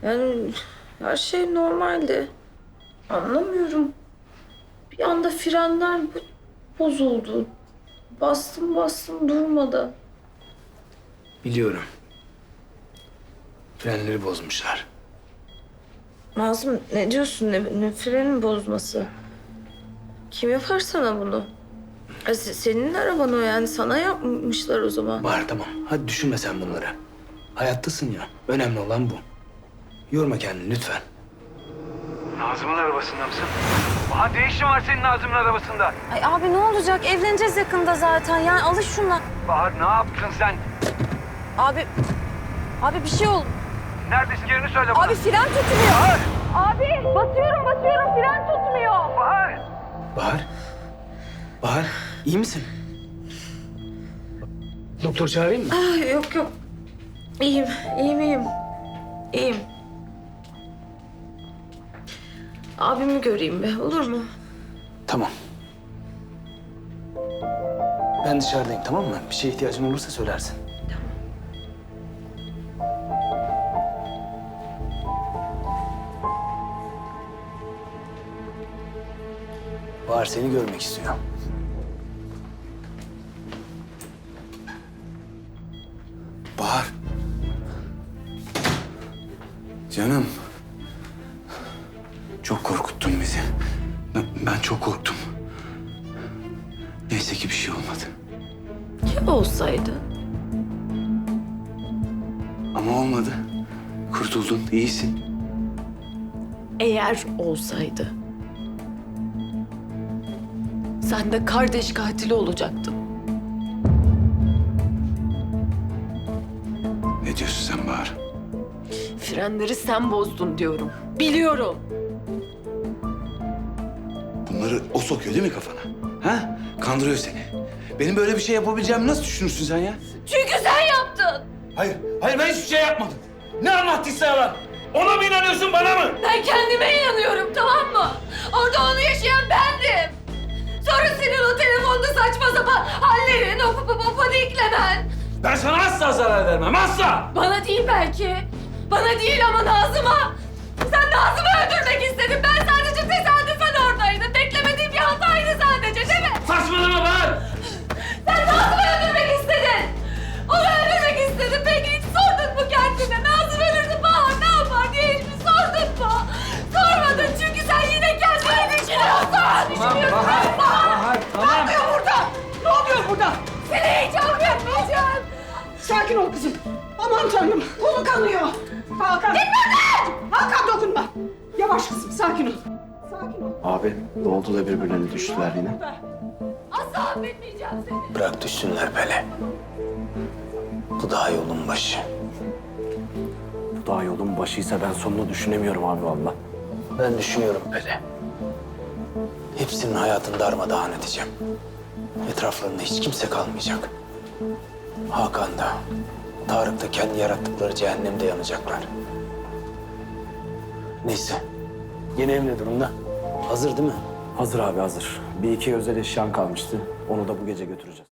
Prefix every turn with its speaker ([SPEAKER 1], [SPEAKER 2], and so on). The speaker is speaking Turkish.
[SPEAKER 1] Yani her şey normaldi. Anlamıyorum. Bir anda frenler bozuldu. Bastım bastım durmadı.
[SPEAKER 2] Biliyorum. Frenleri bozmuşlar.
[SPEAKER 1] Nazım ne diyorsun? Ne frenin bozması? Kim yapar sana bunu? Senin araban o yani. Sana yapmışlar o zaman.
[SPEAKER 2] Bahar tamam. Hadi düşünme sen bunları. Hayattasın ya. Önemli olan bu. Yorma kendini lütfen.
[SPEAKER 3] Nazım'ın arabasında mısın? Bahar ne işin var senin Nazım'ın arabasında?
[SPEAKER 4] Ay abi ne olacak? Evleneceğiz yakında zaten. Yani alış şuna.
[SPEAKER 3] Bahar ne yaptın sen?
[SPEAKER 4] Abi bir şey oldu.
[SPEAKER 3] Neredesin yerini söyle bana.
[SPEAKER 4] Abi fren tutmuyor.
[SPEAKER 3] Bahar!
[SPEAKER 4] Abi basıyorum fren tutmuyor.
[SPEAKER 3] Bahar!
[SPEAKER 2] Bahar. Bahar iyi misin? Doktor çağırayım mı?
[SPEAKER 1] Yok yok. İyiyim. İyiyim. Abimi göreyim be, olur mu?
[SPEAKER 2] Tamam. Ben dışarıdayım tamam mı? Bir şeye ihtiyacın olursa söylersin. Bahar seni görmek istiyor. Bahar. Canım. Çok korkuttun bizi. Ben çok korktum. Neyse ki bir şey olmadı.
[SPEAKER 1] Ya olsaydı?
[SPEAKER 2] Ama olmadı. Kurtuldun, iyisin.
[SPEAKER 1] Eğer olsaydı. Sen de kardeş katili olacaktın.
[SPEAKER 2] Ne diyorsun sen Bahar?
[SPEAKER 1] Frenleri sen bozdun diyorum. Biliyorum.
[SPEAKER 2] Bunları o sokuyor değil mi kafana? Ha? Kandırıyor seni. Benim böyle bir şey yapabileceğimi nasıl düşünürsün sen ya?
[SPEAKER 1] Çünkü sen yaptın.
[SPEAKER 2] Hayır ben hiçbir şey yapmadım. Ne anlattıysa yalan. Ona mı inanıyorsun, bana mı?
[SPEAKER 1] Ben kendime inanıyorum, tamam mı? Orada onu yaşayan bendim. Sonra senin o telefonda saçma sapan hallerin, o paniklemen.
[SPEAKER 2] Ben sana asla zarar vermem, asla!
[SPEAKER 1] Bana değil belki. Bana değil ama Nazım'a. Sen Nazım'ı öldürmek istedin. Ben sadece tesadüfen oradaydım. Beklemediğim bir hataydı sadece, değil mi?
[SPEAKER 2] Saçmalama Bahar!
[SPEAKER 1] Sen Nazım'ı öldürmek istedin. Onu öldürmek istedin. Peki hiç sordun mu kendine? Nazım ölürdü Bahar ne yapar diye hiç mi sordun mu? Sormadın çünkü sen yine kendini düşünüyorsun.
[SPEAKER 3] Bahar, tamam.
[SPEAKER 5] Ne oluyor burada? Ne oluyor burada?
[SPEAKER 1] Seni hiç affetmeyeceğim.
[SPEAKER 5] Sakin ol kızım. Aman tanrım, kolu kanıyor. Hakan. Git buradan! Hakan dokunma. Yavaş kızım, sakin ol. Sakin ol.
[SPEAKER 6] Abi ne oldu da birbirlerine düştüler yine?
[SPEAKER 1] Asla affetmeyeceğim seni.
[SPEAKER 2] Bırak düşsünler Pele. Bu daha yolun başı.
[SPEAKER 6] Bu daha yolun başıysa ben sonunu düşünemiyorum abi valla.
[SPEAKER 2] Ben düşünüyorum Pele. Hepsinin hayatını darmadağın edeceğim. Etraflarında hiç kimse kalmayacak. Hakan da, Tarık da kendi yarattıkları cehennemde yanacaklar. Neyse. Yeni ev ne durumda? Hazır değil mi?
[SPEAKER 6] Hazır abi hazır. Bir iki özel eşyan kalmıştı. Onu da bu gece götüreceğiz.